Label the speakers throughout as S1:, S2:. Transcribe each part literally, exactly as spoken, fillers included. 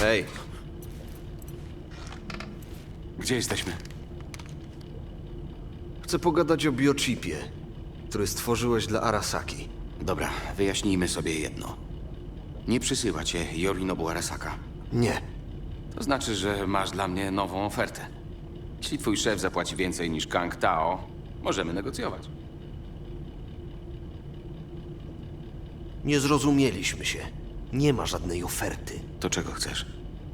S1: Hej,
S2: Gdzie jesteśmy?
S1: chcę pogadać o biochipie, który stworzyłeś dla Arasaki.
S2: Dobra, wyjaśnijmy sobie jedno. Nie przysyła cię Yorinobu Arasaka.
S1: Nie.
S2: To znaczy, że masz dla mnie nową ofertę. Jeśli twój szef zapłaci więcej niż Kang Tao, możemy negocjować.
S1: Nie zrozumieliśmy się. Nie ma żadnej oferty.
S2: To czego chcesz?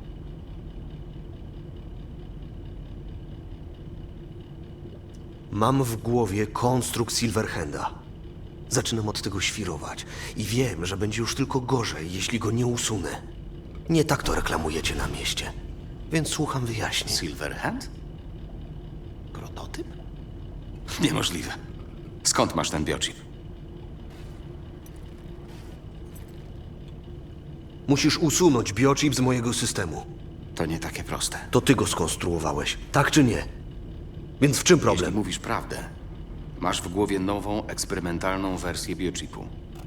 S1: Mam w głowie konstrukt Silverhanda. Zaczynam od tego świrować i wiem, że będzie już tylko gorzej, jeśli go nie usunę. Nie tak to reklamujecie na mieście. Więc słucham wyjaśnień.
S2: Silverhand? Prototyp? Niemożliwe. Skąd masz ten biochip?
S1: Musisz usunąć biochip z mojego systemu.
S2: To nie takie proste.
S1: To ty go skonstruowałeś, tak czy nie? Więc w czym
S2: Jeśli
S1: problem?
S2: mówisz prawdę, masz w głowie nową, eksperymentalną wersję biochipu.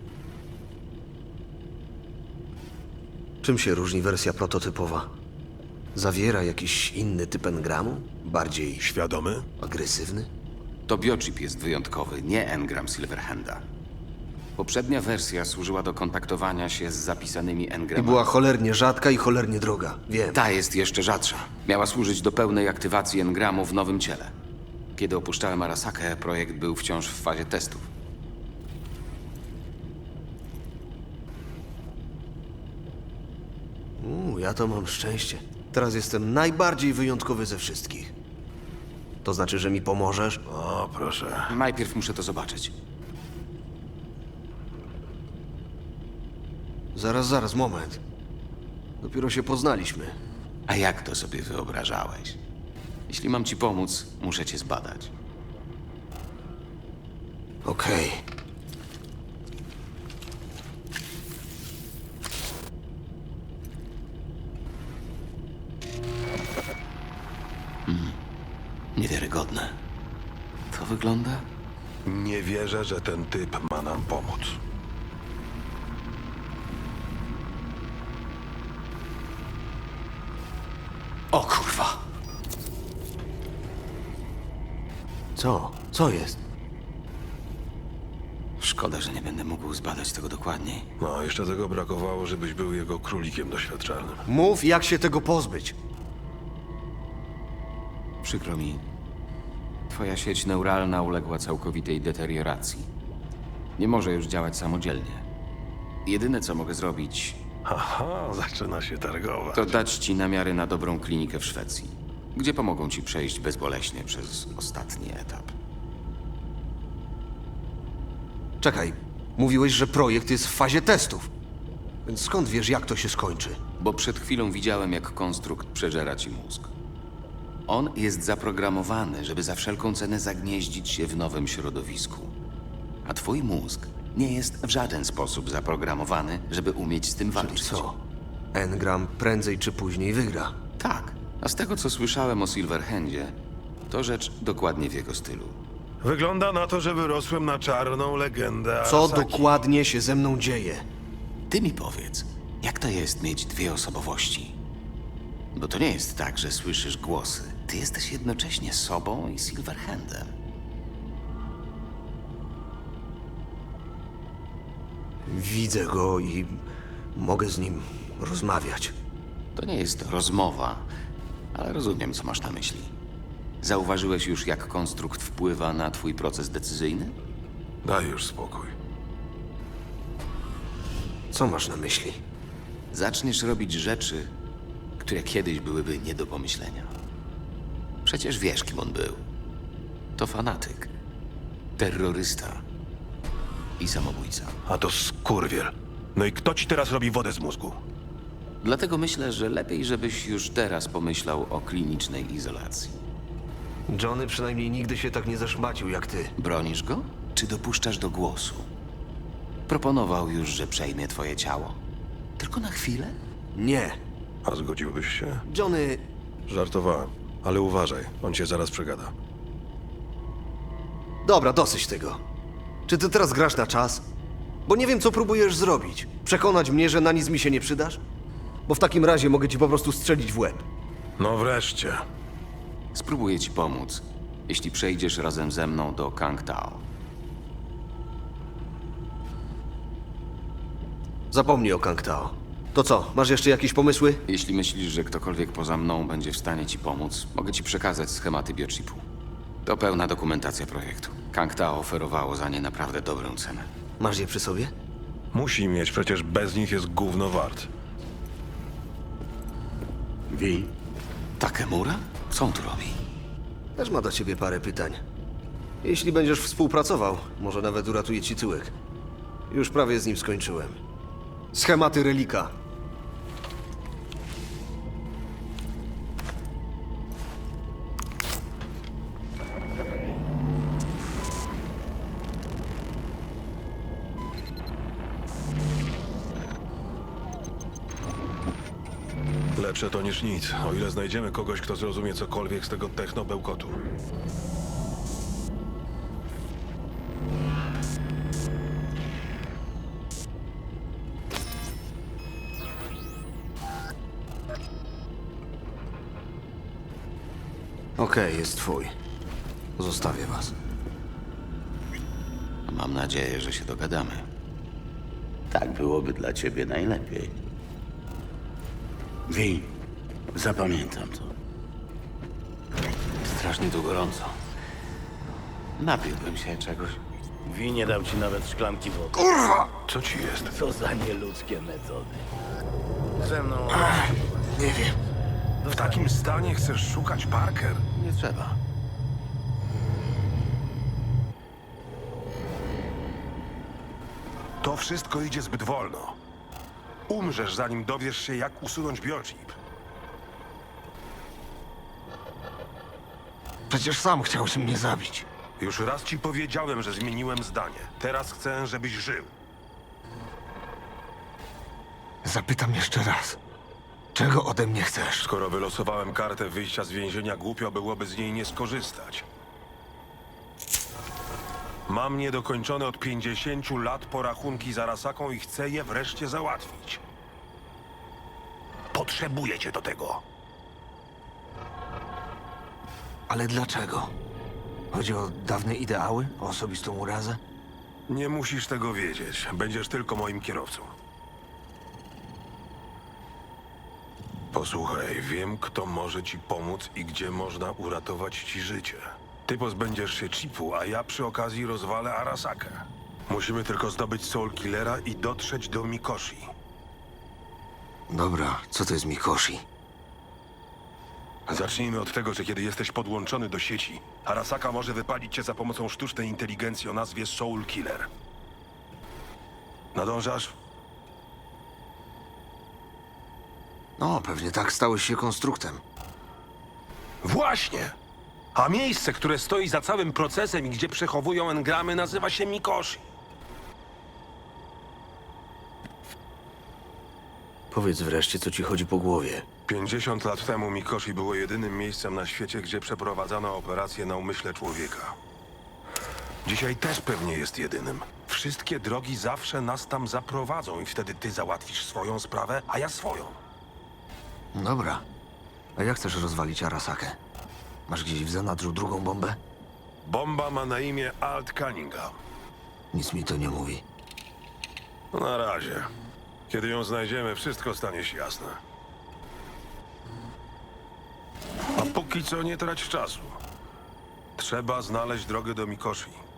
S1: Czym się różni wersja prototypowa? Zawiera jakiś inny typ engramu? Bardziej
S3: Świadomy?
S1: agresywny?
S2: To biochip jest wyjątkowy, nie engram Silverhanda. Poprzednia wersja służyła do kontaktowania się z zapisanymi
S1: I
S2: engramami.
S1: była cholernie rzadka i cholernie droga, wiem.
S2: Ta jest jeszcze rzadsza. Miała służyć do pełnej aktywacji engramu w nowym ciele. Kiedy opuszczałem Arasakę, projekt był wciąż w fazie testów.
S1: Uuu, ja to mam szczęście. Teraz jestem najbardziej wyjątkowy ze wszystkich. To znaczy, że mi pomożesz?
S3: O, proszę.
S2: Najpierw muszę to zobaczyć.
S1: Zaraz, zaraz, moment. Dopiero się poznaliśmy.
S2: A jak to sobie wyobrażałeś? Jeśli mam ci pomóc, muszę cię zbadać.
S1: Okej.
S2: Niewiarygodne. To wygląda?
S3: Nie wierzę, że ten typ ma nam pomóc.
S2: O kurwa!
S1: Co? Co jest?
S2: Szkoda, że nie będę mógł zbadać tego dokładniej.
S3: No, jeszcze tego brakowało, żebyś był jego królikiem doświadczalnym.
S1: Mów, jak się tego pozbyć.
S2: Przykro mi. Twoja sieć neuralna uległa całkowitej deterioracji. Nie może już działać samodzielnie. Jedyne, co mogę zrobić,
S3: Haha, zaczyna się targować.
S2: to dać ci namiary na dobrą klinikę w Szwecji, gdzie pomogą ci przejść bezboleśnie przez ostatni etap.
S1: Czekaj, mówiłeś, że projekt jest w fazie testów. Więc skąd wiesz, jak to się skończy?
S2: Bo przed chwilą widziałem, jak konstrukt przeżera ci mózg. On jest zaprogramowany, żeby za wszelką cenę zagnieździć się w nowym środowisku. A twój mózg nie jest w żaden sposób zaprogramowany, żeby umieć z tym
S1: Czyli
S2: walczyć.
S1: co? Engram prędzej czy później wygra.
S2: Tak. A z tego, co słyszałem o Silverhandzie, to rzecz dokładnie w jego stylu.
S3: Wygląda na to, że wyrosłem na czarną legendę
S1: Co
S3: Arasaki.
S1: dokładnie się ze mną dzieje?
S2: Ty mi powiedz, jak to jest mieć dwie osobowości? Bo to nie jest tak, że słyszysz głosy. Ty jesteś jednocześnie sobą i Silverhandem.
S1: Widzę go i mogę z nim rozmawiać.
S2: To nie jest rozmowa, ale rozumiem, co masz na myśli. Zauważyłeś już, jak konstrukt wpływa na twój proces decyzyjny?
S3: Daj już spokój.
S1: Co masz na myśli?
S2: Zaczniesz robić rzeczy, które kiedyś byłyby nie do pomyślenia. Przecież wiesz, kim on był. To fanatyk, terrorysta i samobójca.
S3: A to skurwiel. No i kto ci teraz robi wodę z mózgu?
S2: Dlatego myślę, że lepiej, żebyś już teraz pomyślał o klinicznej izolacji.
S1: Johnny przynajmniej nigdy się tak nie zaszmacił jak ty.
S2: Bronisz go, czy dopuszczasz do głosu? Proponował już, że przejmie twoje ciało. Tylko na chwilę?
S1: Nie.
S3: A zgodziłbyś się?
S1: Johnny,
S3: Żartowałem. Ale uważaj, on cię zaraz przegada.
S1: dobra, dosyć tego. Czy ty teraz grasz na czas? Bo nie wiem, co próbujesz zrobić. Przekonać mnie, że na nic mi się nie przydasz? bo w takim razie mogę ci po prostu strzelić w łeb.
S3: No wreszcie.
S2: Spróbuję ci pomóc, jeśli przejdziesz razem ze mną do Kang Tao.
S1: Zapomnij o Kang Tao. To co, masz jeszcze jakieś pomysły?
S2: Jeśli myślisz, że ktokolwiek poza mną będzie w stanie ci pomóc, mogę ci przekazać schematy biochipu. To pełna dokumentacja projektu. Kang Tao oferowało za nie naprawdę dobrą cenę.
S1: Masz je przy sobie?
S3: Musi mieć, przecież bez nich jest gówno wart.
S2: Wi? Takemura? Co on tu robi?
S1: Też ma do ciebie parę pytań. Jeśli będziesz współpracował, może nawet uratuje ci tyłek. Już prawie z nim skończyłem. Schematy relika.
S3: Lepsze to niż nic, o ile znajdziemy kogoś, kto zrozumie cokolwiek z tego techno-bełkotu.
S1: Okej, jest twój. Zostawię was.
S2: Mam nadzieję, że się dogadamy.
S4: Tak byłoby dla ciebie najlepiej. Wi, zapamiętam to.
S2: Strasznie tu gorąco. Napiłbym się czegoś.
S4: Wi nie dał ci nawet szklanki wody.
S3: Co ci jest?
S4: Co za nieludzkie metody. Ze mną...
S1: Nie wiem.
S3: W takim stanie chcesz szukać Parker?
S2: Nie trzeba.
S3: To wszystko idzie zbyt wolno. Umrzesz, zanim dowiesz się, jak usunąć biochip.
S1: Przecież sam chciałeś mnie zabić.
S3: Już raz ci powiedziałem, że zmieniłem zdanie. Teraz chcę, żebyś żył.
S1: Zapytam jeszcze raz. Czego ode mnie chcesz?
S3: Skoro wylosowałem kartę wyjścia z więzienia, głupio byłoby z niej nie skorzystać. Mam niedokończone od pięćdziesięciu lat porachunki z Arasaką i chcę je wreszcie załatwić. Potrzebuję cię do tego.
S1: Ale dlaczego? Chodzi o dawne ideały? O osobistą urazę?
S3: Nie musisz tego wiedzieć. Będziesz tylko moim kierowcą. Posłuchaj, wiem, kto może ci pomóc i gdzie można uratować ci życie. Ty pozbędziesz się chipu, a ja przy okazji rozwalę Arasakę. Musimy tylko zdobyć Soul Killera i dotrzeć do Mikoshi.
S1: Dobra, co to jest Mikoshi?
S3: Zacznijmy od tego, że kiedy jesteś podłączony do sieci, Arasaka może wypalić cię za pomocą sztucznej inteligencji o nazwie Soul Killer. Nadążasz?
S1: No, pewnie tak stałeś się konstruktem.
S3: Właśnie! A miejsce, które stoi za całym procesem i gdzie przechowują engramy, nazywa się Mikoshi.
S1: Powiedz wreszcie, co ci chodzi po głowie.
S3: pięćdziesiąt lat temu Mikoshi było jedynym miejscem na świecie, gdzie przeprowadzano operację na umyśle człowieka. Dzisiaj też pewnie jest jedynym. Wszystkie drogi zawsze nas tam zaprowadzą i wtedy ty załatwisz swoją sprawę, a ja swoją.
S1: Dobra. A jak chcesz rozwalić Arasakę? Masz gdzieś w zanadrzu drugą bombę?
S3: Bomba ma na imię Alt Cunningham.
S1: Nic mi to nie mówi.
S3: No na razie. Kiedy ją znajdziemy, wszystko stanie się jasne. A póki co nie trać czasu. Trzeba znaleźć drogę do Mikoshi.